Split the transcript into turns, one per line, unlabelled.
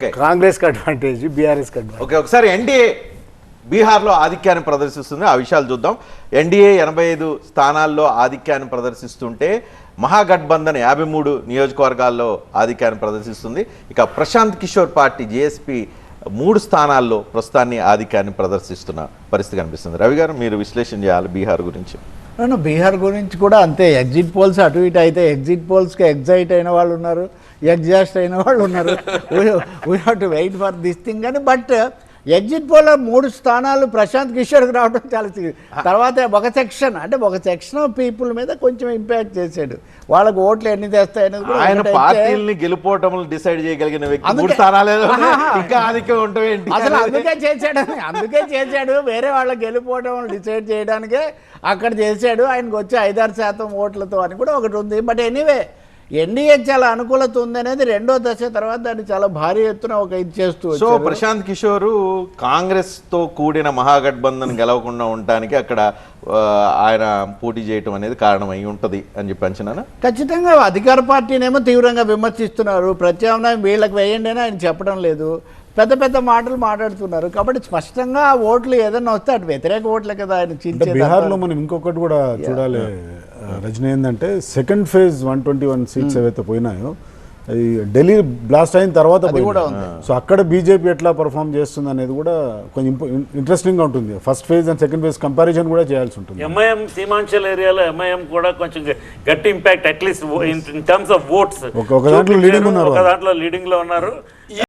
కాంగ్రెస్ కి advantage, BRS కి advantage.
Okay, ఒకసారి ఎన్డీఏ బీహార్లో ఆధిక్యాన్ని ప్రదర్శిస్తుంది, ఆ విషయాలు చూద్దాం. ఎన్డీఏ 85 స్థానాల్లో ఆధిక్యాన్ని ప్రదర్శిస్తుంటే మహాగఠబంధన్ 53 నియోజకవర్గాల్లో ఆధిక్యాన్ని ప్రదర్శిస్తుంది. ఇక ప్రశాంత్ కిషోర్ పార్టీ జేఎస్పీ 3 స్థానాల్లో ప్రస్తుతాన్ని ఆధిక్యాన్ని ప్రదర్శిస్తున్న పరిస్థితి కనిపిస్తుంది. రవి గారు, మీరు విశ్లేషణ చేయాలి బీహార్ గురించి.
బీహార్ గురించి కూడా అంతే. ఎగ్జిట్ పోల్స్ అటు ఇటు అయితే ఎగ్జిట్ పోల్స్కి ఎగ్జైట్ అయిన వాళ్ళు ఉన్నారు, ఎగ్జాస్ట్ అయిన వాళ్ళు ఉన్నారు. We have to wait for this thing అని. బట్ ఎగ్జిట్ పోల్లో 3 స్థానాలు ప్రశాంత్ కిషోర్కి రావడం చాలా తర్వాత ఒక సెక్షన్ ఆఫ్ పీపుల్ మీద కొంచెం ఇంపాక్ట్ చేశాడు. వాళ్ళకి ఓట్లు ఎన్ని తెస్తాయనేది కూడా
ఆయన పార్టీని గెలుపోవటం డిసైడ్ చేయగలిగిన వ్యక్తి 3 స్థానాలు ఇంకా ఆధిక్యం ఉంటాయి
అసలు అందుకే చేశాడు. వేరే వాళ్ళ గెలుపోవటం డిసైడ్ చేయడానికే అక్కడ చేశాడు. ఆయనకు వచ్చే 5-6% ఓట్లతో అని కూడా ఒకటి ఉంది. బట్ ఎనీవే, ఎన్డీఏ చాలా అనుకూలత ఉందనేది రెండో దశ తర్వాత దాన్ని చాలా భారీ ఎత్తున ఒక ఇది చేస్తూ.
సో ప్రశాంత్ కిషోర్ కాంగ్రెస్ తో కూడిన మహాగఠబంధన్ గెలవకుండా ఉండటానికి అక్కడ ఆయన పోటీ చేయటం అనేది కారణం అయి ఉంటది అని చెప్పి అంచనా.
ఖచ్చితంగా అధికార పార్టీనేమో తీవ్రంగా విమర్శిస్తున్నారు. ప్రత్యామ్నాయం వీళ్ళకి వేయండి అని ఆయన చెప్పడం లేదు. పెద్ద పెద్ద మాటలు మాట్లాడుతున్నారు. కాబట్టి స్పష్టంగా ఓట్లు ఏదన్నా వస్తే అటు వ్యతిరేక ఓట్లే కదా ఆయన చించేది.
బీహార్లో మనం ఇంకొకటి కూడా చూడాలి రజనీ, ఏంటంటే సెకండ్ ఫేజ్ 121 సీట్స్ ఏవైతే పోయినాయో అది ఢిల్లీ బ్లాస్ట్ అయిన తర్వాత కూడా ఉంది. సో అక్కడ బీజేపీ ఎట్లా పర్ఫామ్ చేస్తుంది అనేది కూడా కొంచెం ఇంట్రెస్టింగ్ గా ఉంటుంది. First phase and second phase comparison కూడా చేయాల్సి ఉంటుంది.
ఎంఐఎం సీమాంచల్ ఏరియాలో ఎంఐఎం కూడా కొంచెం గట్టి impact at least in terms of votes
ఒక దాంట్లో లీడింగ్ ఉన్నారు.
ఒక దాంట్లో లీడింగ్ లో ఉన్నారు.